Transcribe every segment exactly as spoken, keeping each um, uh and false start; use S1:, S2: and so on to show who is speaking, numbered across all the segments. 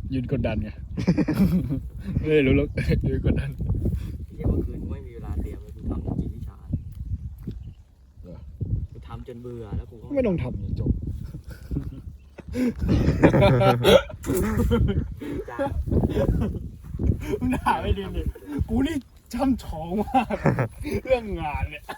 S1: ยืนกดดันไงไม่รู้หรอกยืนกดดัน
S2: เรียกว่าคืนไม่มีเวลาเตรียมเลยกูทำจริงวิชากูทำจนเบื่อแล้วกูก็
S1: ไม่ต้องทำจบมึงด่าไม่ดีเลยกูนี่ช่ำชองมากเรื่องงานเนี่ย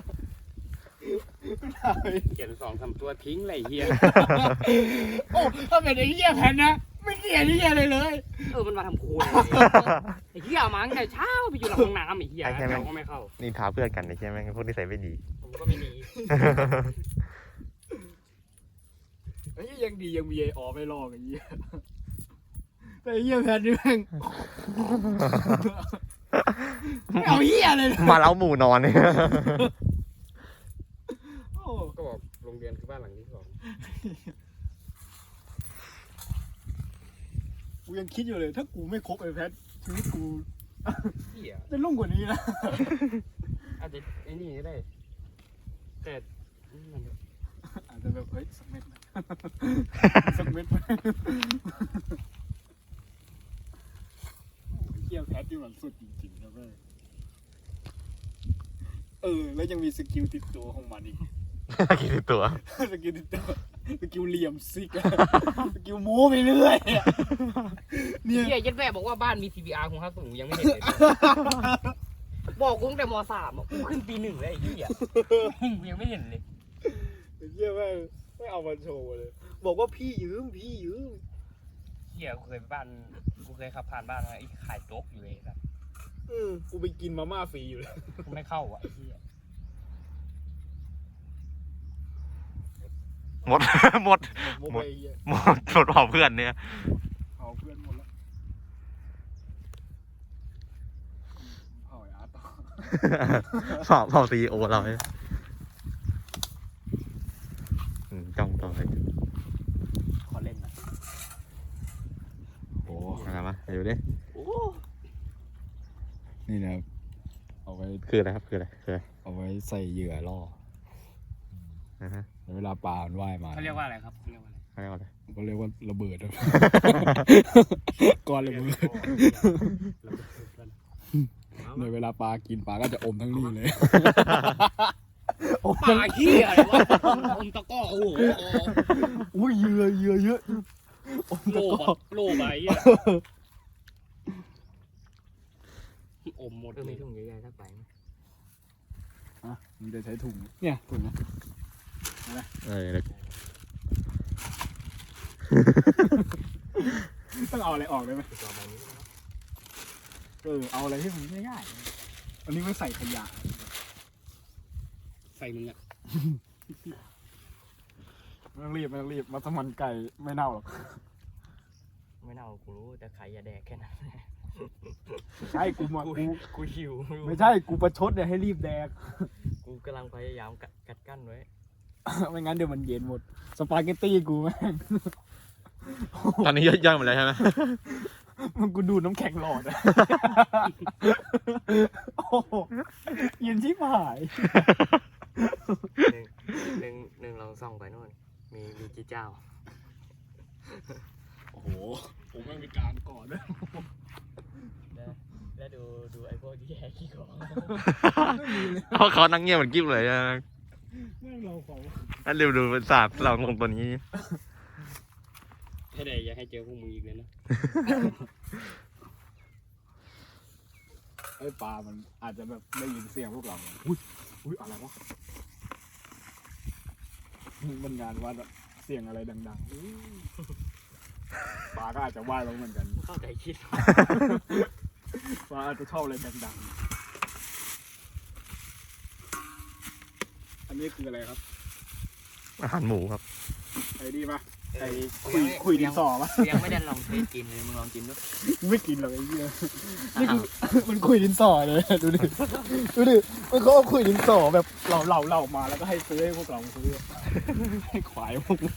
S3: เขียนสองสามตัวทิ้งเลยเฮีย
S1: โอ้ถ้าเป็นไอ้เหี้ยแผ่นนะไม่เขียนไอ้เหี้ยเลยเลย
S2: เออมันมาทำโคนไอ้เหี้ยมาตั้งแต่เช้าไปอยู่หลังห้องน้ำไอ้เหี้ยเราก็ไม่เข้า
S4: นี่ท้าเพื่อนกันใช่ไหมพวกที่ใส่ไม่ดี
S2: ผมก็ไม่ดี
S1: ไอ้เหี้ยยังดียังมีไอ้ออไม่ลอกไอ้เหี้ยแต่ไอ้เหี้ยแผ่นนี่แม่งไม่เอาเหี้ยเลย
S4: มาเล้าหมู่นอนเนี่ย
S3: ก็บอกโรงเรียนคือบ้านหลังที่สอง
S1: กูยังคิดอยู่เลยถ้ากูไม่คบไอ้แพทชีวิตกู
S3: เหี้ย
S1: จะลุ่มกว่านี้นะ
S3: อาจจะไอ้นี่ก็ได้แต่
S1: อาจจะแบบเฮ้ยสักเม็ดสักเม็ดเที่ยวแพทที่มันสุดจริงๆนะเว้ยเออแล้วยังมีสกิลติดตัวของมันอีก
S4: สกิลติดตัว
S1: สกิลติดตัวสกิลเหลี่ยมซิกสกิลโม้ไปเรื่อย
S2: เนี่ยเฮียยัดแม่บอกว่าบ้านมี ซี พี อาร์ ของข้าสูงยังไม่เห็นเลยบอกกูตั้งแต่ม.สามกูขึ้นปีหนึ่งเลยไอ้เหี้ยกูยังไม่เห็นเลย
S1: ไอ้เหี้ยแม่ไม่เอามาโชว์เลยบอกว่าพี่ยืมพี่ยืม
S2: เหี้ยกูเคยไปบ้านกูเคยขับผ่านบ้านไอ้ขายโจ๊กอยู่เลยครับ
S1: เออกูไปกินมาม่าฟรีอยู่เลย
S2: กูไม่เข้าอ่ะไอ้เหี้ย
S4: หมดหมดหมดหมดหมดเผาเพื่อนเนี่ย
S1: เผาเพื่อนหมดแล้วเผาไอ้อาร์ตต่อ
S4: เผาเผาซีโอเราเนี่ยจ้องต่อไป
S2: ขอเล่นนะ
S4: โอ้อะไรมาเดี๋ยวดิ
S1: นี่นะเอาไว้
S4: คืออะไรครับคืออะไรคืออะไร
S1: เอาไว้ใส่เหยื่อล่อเวลาปลามันว่ายมา
S2: เขาเรียกว่าอะไรครับเขาเรียกว่า
S4: อะไรเขาเรียกว่าอะไร
S1: ก็เรียกว่าระเบิดก้อนระเบิดในเวลาปลากินปลาก็จะอมทั้งนี้เลย
S2: ปลาขี้อะไรวะอมตะก้อโอ้โห
S1: อุ้ยเหยื่อเหยื่อเยอะ
S2: โลบโลใบอมหมดมีถุงใหญ่ๆสักใบไหม
S1: อ่ะมึงจะใช้ถุงเนี่ยถุงนะนะ
S4: เออ
S1: ต้องเอาอะไรออกเลยไหมเออเอาอะไรที่มันง่ายๆอันนี้ไม่ใส่ขยะ
S2: ใส่มึงอ่ะ
S1: ไม่ต้องรีบไม่ต้องรีบมัสมั่นไก่ไม่เน่าหรอก
S2: ไม่เน่ากูรู้แต่ไข่อย่าแดกแค่นั้น
S1: ใช่กูมากู
S2: กูหิว
S1: ไม่ใช่กูประชดเนี่ยให้รีบแดก
S2: กูกำลังพยายามกัดกั้นไว้
S1: ไม่งั้นเดี๋ยวมันเย็นหมดสปาเกตตี้กูแม่ง
S4: ตอนนี้ย่อยหมดแล้วใช่ไหม
S1: มันกูดูน้ำแข็งหลอดอะโอ้เย็นชิบหาย
S2: หนึ่งหนึ่งลองส่องไปโน่นมีมีกี่เจ้า
S1: โอ้โหผมไม่มีการก่อนด้วย
S2: แล้วดูดูไอ้พวกที่แหกขี้ของ
S4: เพราะเขานั่งเงียบเหมือนกิ๊บเลยนะ
S1: นั่งเราของ
S4: นั่นเร็วดูเป็นศาสตร์เราลงตัวนี้
S2: ให้ได้อยากให้เจอพวกมึงอีกเลยนะ
S1: ไอ้ปลามันอาจจะแบบได้ยินเสียงพวกเราอุ้ยอุ้ยอะไรวะมันงานวัดอะเสียงอะไรดังๆปลาก็อาจจะว่ายลงเหมือนกัน
S2: เข้าใจคิด
S1: ปลาอาจจะชอบอะไรดังๆอันนี้คืออะไรครับ
S4: อาหารหมูครับ
S1: ไอ้ดีปะไอ้คุยคุยดินสอปะ
S2: ยังไม่ได้ลองเทสกินเลยมึงลองกินดู
S1: ไม่กินหรอกไอ้เหี้ยนี่คือมันคุยดินสอเลยดูดิดูดิมันเขาเอาคุยดินสอแบบเหล่าเหล่าเหล่ามาแล้วก็ให้ซื้อให้พวกเราซื้อให้ขวายพวกมึง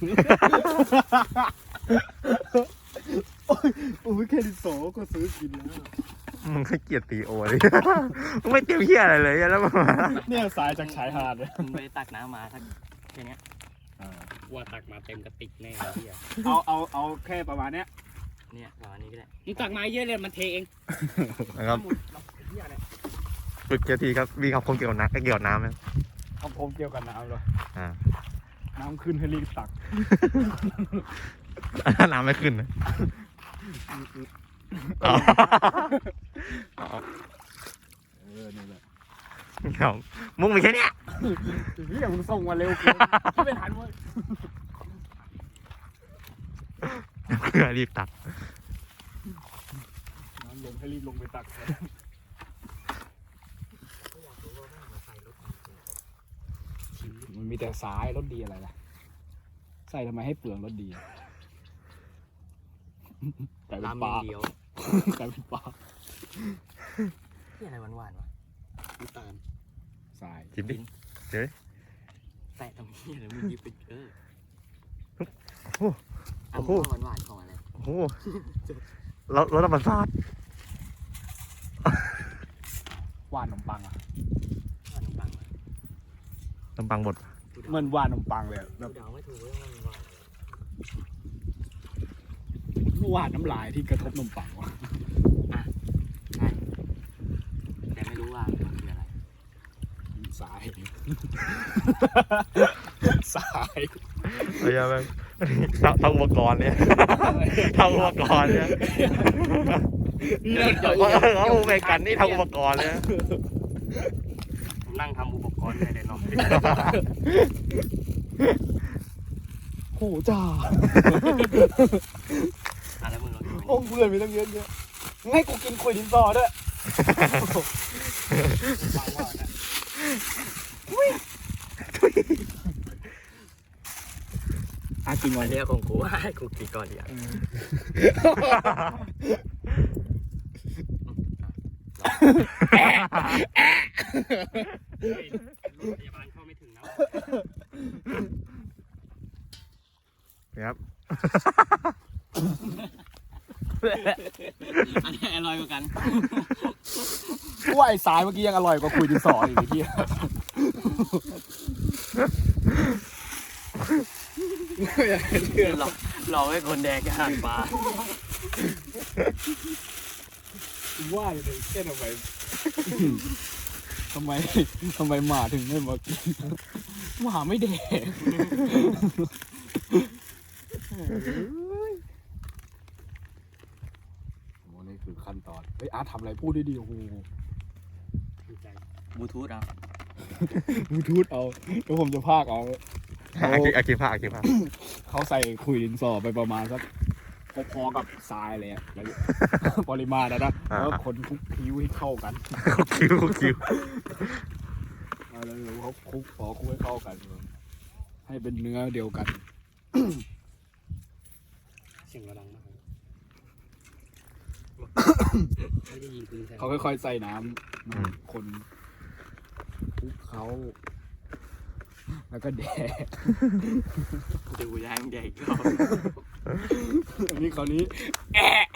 S1: โอ้ยโอ้ยแค่ดินสอก็ซื้อกินแล้ว
S4: มึงก็เกลียดตีโอเลยมึงไม่เตรียมเหี้ยอะไรเลยแล้วมา
S1: เนี่ยสายจากชายหาดเลย
S2: มึงไปตักน้ำมาสักแค่นี้ว่าตักมาเต็มกระติกแน่เหี้ย
S1: เอาเอาเอาแค่ประมาณเนี้ย
S2: เนี่ยเอาอันนี้ก็ได้มึงตักมาเยอะเลยมันเทเอง
S4: นะครับฝึกเกียร์ทีครับมีคำคมเกี่ยวกับน้ำเกี่ยวกับน้ำไหม
S1: เอาผมเกี่ยวกับน้ำเลย
S4: อ่า
S1: น้ำขึ้นให้รีบตัก
S4: น้ำไม่ขึ้นนะอ๋ออ๋อ
S1: เออนี่แหละ
S4: เอามุ้งมีแค่เนี้ย
S1: พี่อย่ามึงส่งมาเร็วเกินที่ไม่ทันเว้ย
S4: เพื่อรีบตัก
S1: น้ำลงให้รีบลงไปตักมันมีแต่สายรถดีอะไรล่ะใส่ทำไมให้เปลืองรถดีกลายเป็น
S2: น้ำ
S1: ปลา
S2: เดียว
S1: กลายเป็นปลา
S2: ที่อะไรหวานๆวะ
S1: น้ำตาลสาย
S4: ชิมดิ
S2: แตะตรงนี้เลยมึงยิบเป็นเออ
S4: โอ้
S2: อัน
S4: โห
S2: นี้หวานๆของอะไร
S4: โอ้โหรถรถธรรมศาสตร์
S1: หวานขนมปังอ่ะ
S2: หวานขนมปังวะ
S4: ลำปังบด
S1: เหมือนหวานขนมปังเลยอะแบบ
S2: เดาไม่ถูกว่ามันหวาน
S1: หวานน้ำลายที่กระทบขนมปังวะ
S2: ใช่แต่ไม่รู้ว่ามันคืออะไร
S1: สาย สาย
S4: เฮ้ยแม่งทำอุปกรณ์เนี่ยทำอุปกรณ์เนี่ย
S1: นี่เรา
S4: เขาเขาอุปกรณ์นี่ทำอุปกรณ์เนี่ย
S2: ผมนั่งทำอุปกรณ์ในเดนอม
S1: โหจ้า
S2: อะไรมึงลองดู
S1: ห้องเพื่อนมีตั้งเยอะแยะมึงให้กูกินคุยดินสอด้วย
S2: ฟังว่านะ
S1: อากินก่อน
S2: เรียกของกูให้กูกินก่อนดีอ่ะพยาบาลเข้าไม่ถึงนะ
S4: ครับ
S2: อันนี้อร่อยกว่ากัน
S1: กูว่าไอ้สายเมื่อกี้ยังอร่อยกว่าคุยดินสออีกไอ้เหี้ย
S2: หลอกหลอกให้คนแดกอาหารปลา
S1: ว่าอยู่เลยเช่นทำไมทำไมทำไมหมาถึงไม่มากินหมาไม่แดกโอ้นี่คือขั้นตอนเฮ้ยอาร์ตทำอะไรพูดได้ดีโอ้โห
S2: บลูทูธอ่ะ
S1: บลูทูธเอาเดี๋ยวผมจะพากเอา
S4: อากิอากิผ้าอากิผ้า
S1: เขาใส่คุยดินสอไปประมาณสักพอๆกับทรายเลยอะแล้วปริมาณนะนะแล้วคนคลุกคิ้วให้เข้ากัน
S4: คุกคิวคุกคิว
S1: เอาแล้วเขาคลุกพอคลุกให้เข้ากัน ให้เป็นเนื้อเดียวกัน
S2: เสียงกระดังมากไม่ได้ยินปืนใส่
S1: เขาค่อยๆใส่น้ำคนคลุกเขาแล้วก็แดก
S2: ดูยายมึงแดกก็
S1: อันนี้คราวนี้แอะ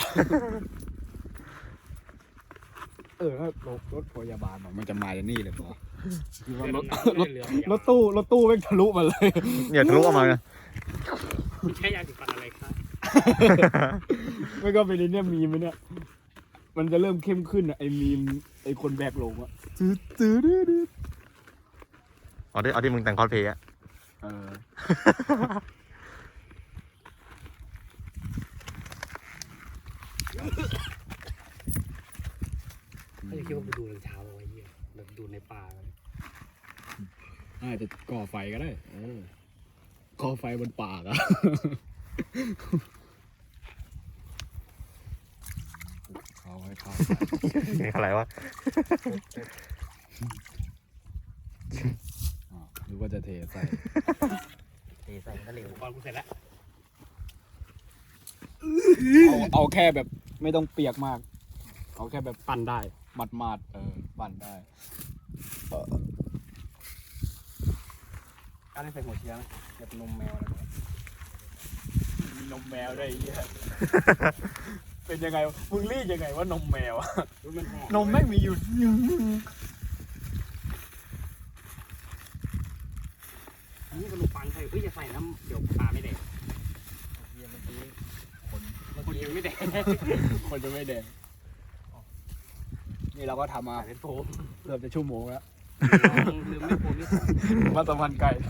S1: เออถ้ารถรถพยาบาลมันจะมาจากนี่เลยปะคือว่ารถรถรถตู้รถตู้แม่งทะลุมาเลย
S4: เนี่ยทะลุออกมาไง
S2: ใช้ยาสีฟันอะไรครับ
S1: ไม่ก็เป็นไอ้เนี่ยมีมไหมเนี่ยมันจะเริ่มเข้มขึ้นอะไอ้มีมไอ้คนแบกลงอะตื้อตื้อตื้อตื้อ
S4: เอาที่เอาที่มึงแต่งคอสเพลย์อะ
S1: เออ
S2: ไม่ได้คิดว่าไปดูรองเท้าเอาไว้เหี้ยแบบดูในป่าเลย
S1: อาจจะก่อไฟก็ได้เออก่อไฟบนปากอะเขาให้เข้า
S4: อะไรวะ
S1: อ๋อหรือว่าจะเทใส่
S2: เทใส่ก็เหลวก่อนกูเสร็จแล้ว
S1: เอาเอาแค่แบบไม่ต้องเปียกมาก เอาแค่แบบ
S2: ปั่นได้
S1: มัดมัดๆเออปั่นได้
S2: การได้ใส่หัวเชื้อไหมแบบนมแมวอะไรแบบ
S1: มีนมแมวได้วยไอ้เหี้ย เป็นยังไงวะมึงรีดยังไงว่านมแมวอะ
S2: มันหอม
S1: นมแม่งมีอยู่
S2: นี่ขนมปังใส่เฮ้ยจะใส่น้ำเดี๋ยวปลาไม่แดก
S1: เมื่อกี้คน
S2: คนยังไม่แดง
S1: คนจะไม่แดงนี่เราก็ทำมา
S2: เป็นโฟม
S1: เกือบจะชั่วโมงแล้ว
S2: ลืมไม่โฟมนี่
S1: มาสัมพันธ์ไก่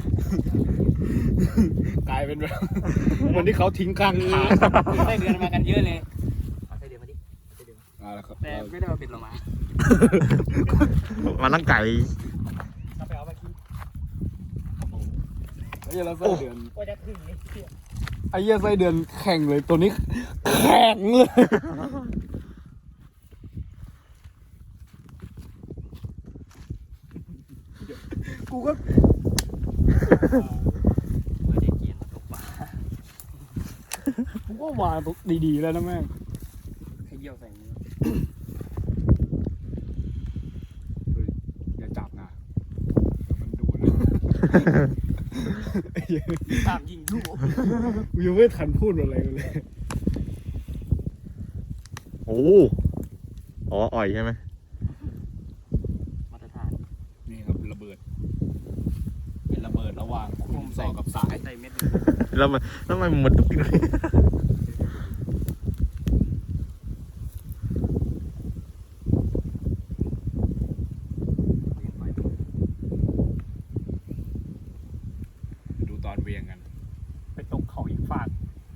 S1: กลายเป็นแบบวันที่เขาทิ้งข้างทาง
S2: ไส้เดือนมากันเยอะเลยเอาไส้เดือนมาดิไส้เดือนมา
S1: อ่าแล้วครับ
S2: แต่ไม่ได้มาเป็นเรามา
S4: มันร่างไก่
S2: เราไปเอามากิน
S1: ไอ้เหี้ยแล้วไส้เดือน
S2: ว่าจะถึงนี่เชี่ย
S1: ไอ้เหี้ยไส้เดือนแข่งเลยตัวนี้แข็งเลยกูก็
S2: ว่าจะเกียนตกปลา
S1: กูก็วางดีๆแล้วนะแม่ง
S2: ให้เยี่ยวใส่มือ
S1: เฮ้ยอย่าจับนะมันดูนะไอ้เหี้ย
S2: ตามยิงลูก
S1: กูยังไม่ทันพูดอะไรเลย
S4: โอ้อ๋ออ่อยใช่ไหม
S2: มาตรฐาน
S1: นี่ครับระเบิด เป็นระเบิดระหว่างคุณสอกับสาย
S2: ใส่เม็ด
S4: แล้วมันแล้วมันมันดุกดิกเลย
S1: ดูตอนเวียงกัน ไปตกเขาอีกฝาก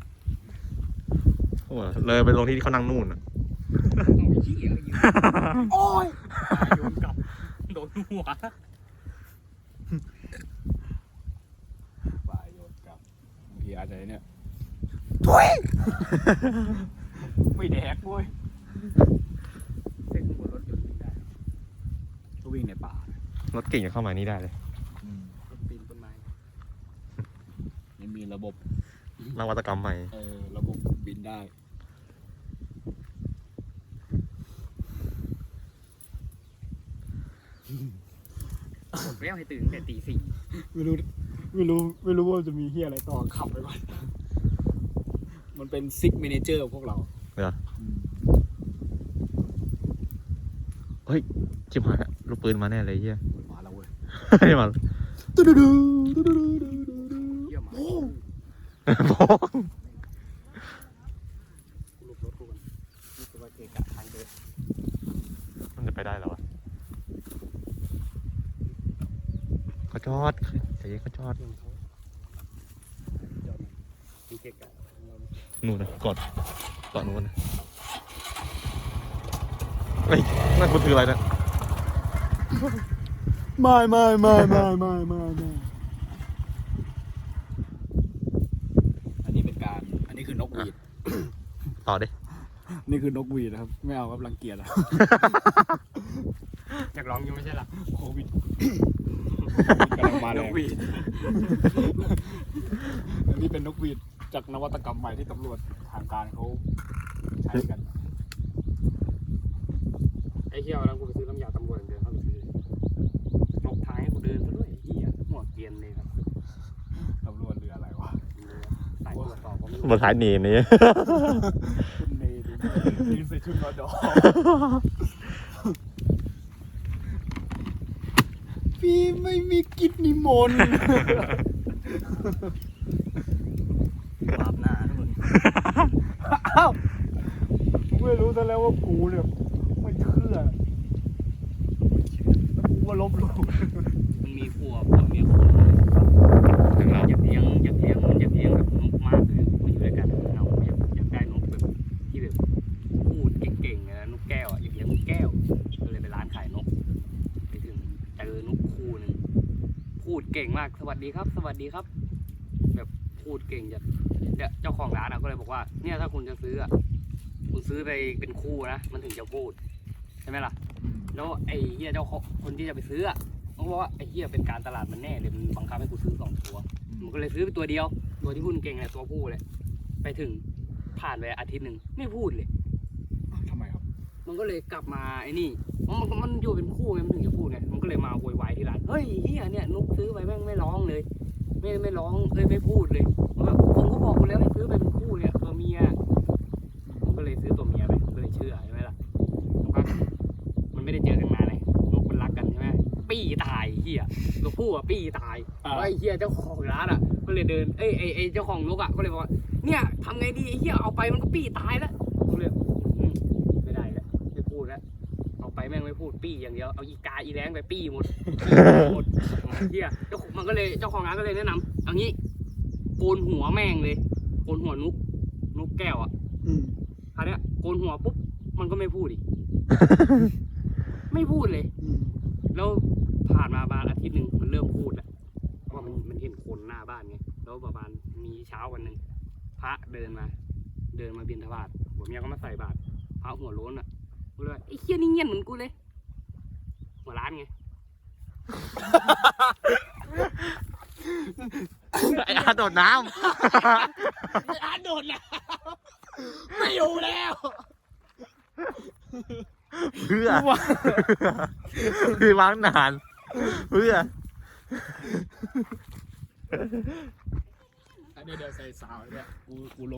S4: โอ้เลยไปลงที่เขานั่งนู่นอ่ะ
S2: เอาไอ้เหี้ยยิง
S1: โอ้ย
S2: โยนกลับโดนหัว
S1: ปลายโยนกลับบางทีอาจจะเนี่ย
S2: ไม่แดกเว้ยเส้นบนรถยนต์วิ่งได้
S1: ก็วิ่งในป่าร
S4: ถเก่งจะเข้ามานี่ได้เลย
S2: รถปีนต้นไม้
S1: นี่มีระบบ
S4: นวัตกรรมใหม่
S1: เออระบบบินได้
S2: ผมเรียกให้ตื่นตั้งแต่ตีสี่
S1: ไม่รู้ไม่รู้ไม่รู้ว่าจะมีเฮียอะไรต่อขับไปก่อน มันเป็นซิกเมเนเจอร์พวกเรา
S4: เหรอ เฮ้ยชิบหายละลูกปืนมาแน่เลยเฮีย
S1: มาแล้วเว้ย
S4: ไม่มา
S1: ตุ๊ดดูตุ๊ดดู
S2: เยี่ยมมาก
S4: บอก
S2: กูหลบรถกูก่อนนี่คือว่าเกะกะทางเดิน
S4: มันจะไปได้แล้ววะเขาจอดใจเย็นเขาจอด
S2: เรื่องเขาจอดมีเกะกะ
S4: นู่นนะกอดกอดนู่นนะเฮ้ยนั่นมันคืออะไรนะ
S1: ไม่ไม่ไม่ไม่ไม่ไม่ไม่อันนี้เป็นการ อันนี้คือนกหวีด
S4: ต่อดิ
S1: นี่คือนกหวีดนะครับ ไม่เอาครับรังเกียจแล้ว
S2: อยากร้องอยู่ไม่ใช่หรอ
S1: โควิดกำลังมาแรง
S2: นกหวีด
S1: อันนี้เป็นนกหวีดจากนวัตกรรมใหม่ที่ตำรวจทางการเขาใช้กัน
S2: ไอ้เหี้ยแล้วกูไปซื้อน้ำยาตำรวจเดินเข้าไปซื้อลบท้ายให้กูเดินซะด้วยไอ้เหี้ยหัวเกรียนเลยครับ
S1: ตำรวจเรืออะไรวะ
S2: สายตรวจสอบก็ไม่รู้
S4: บนท้ายเนนนี่
S1: คุณเนยดูใส่ชุดนอดอพี่ไม่มีกิจนิมนต์
S2: วาบหน้าทุกคน
S1: อ้าวกูไม่รู้ซะแล้วว่ากูเนี่ยไม่เชื่อแล้วกูก็ลบหลู่
S2: มันมีครัวกับเมียคนอยากเลี้ยงอยากเลี้ยงอยากเลี้ยงแบบนกมากเลยมาอยู่ด้วยกันเราอยากอยากได้นกแบบที่แบบพูดเก่งๆนะนกแก้วอ่ะอยากเลี้ยงนกแก้วก็เลยไปร้านขายนกไปถึงเจอนกคู่หนึ่งพูดเก่งมากสวัสดีครับ สวัสดีครับ แบบพูดเก่งจัดเนี่ยเจ้าของร้านอ่ะก็เลยบอกว่าเนี่ยถ้าคุณจะซื้ออ่ะคุณซื้อไปเป็นคู่นะมันถึงจะพูดใช่ไหมล่ะแล้วไอ้เหี้ยเจ้าของคนที่จะไปซื้ออ่ะเขาบอกว่าไอ้เหี้ยเป็นการตลาดมันแน่เลยมันบังคับให้กูซื้อสองตัวมันก็เลยซื้อไปตัวเดียวตัวที่พูดเก่งเลยตัวผู้เลยไปถึงผ่านไปอาทิตย์หนึ่งไม่พูดเลย
S1: ทำไมครับ
S2: มันก็เลยกลับมาไอ้นี่มันมันมันอยู่เป็นคู่ไงมันถึงจะพูดไงมันก็เลยมาโวยวายที่ร้านเฮ้ยเฮียเนี่ยนุกซื้อไปแม่งไม่ร้องเลย ไม่ไม่ร้องเอ้ยไม่พูดเลยแบบผมก็บอกคุณแล้วให้ซื้อไปเป็นคู่เนี่ยตัวเมียผมก็เลยซื้อตัวเมียไปผมก็เลยเชื่อใช่ไหมล่ะสักพักมันไม่ได้เจอกันนานเลยนกมันรักกันใช่ไหมปี้ตายเฮียตัวผู้อ่ะปี้ตาย
S1: อ่า
S2: แล้วไอ้เฮียเจ้าของร้านอ่ะก็เลยเดินเอ้ยไอ้ไอ้เจ้าของนกอ่ะก็เลยบอกว่าเนี่ยทำไงดีไอ้เหี้ยเอาไปมันก็ปี้ตายแล้วกูเลยอืมไม่ได้แล้วไม่พูดแล้วเอาไปแม่งไม่พูดปี้อย่างเดียวเอาอีกาอีแรงไปปี้หมดหมดเหี้ยเจ้าของมันก็เลยเจ้าของร้านก็เลยแนะนำเอางี้โกนหัวแม่งเลยโกนหัวนุกนุกแก้วอ่ะ
S1: อืม
S2: คราวเนี้ยโกนหัวปุ๊บมันก็ไม่พูดอีก ไม่พูดเลย
S1: อืม
S2: แล้วผ่านมาประมาณอาทิตย์หนึ่งมันเริ่มพูดแล้วว่ามันมันเห็นคนหน้าบ้านไงแล้วประมาณมีเช้าวันหนึ่งพระเดินมา เดินมาบิณฑบาตหัวเมียก็มาใส่บาตรพระหัวโล้นอ่ะกูเลยว่าไอ้เคี้ยนี่เงียบเหมือนกูเลย หัวร้านไง
S4: ไอ้อาโดดน้
S1: ไอ้อาร์ตโดดนะไม่อยู่แล้ว
S4: ำเพื่อคือวางนานเพื่อ
S1: อันนี้เดี๋ยวใส่สาวเนี่ยกูกู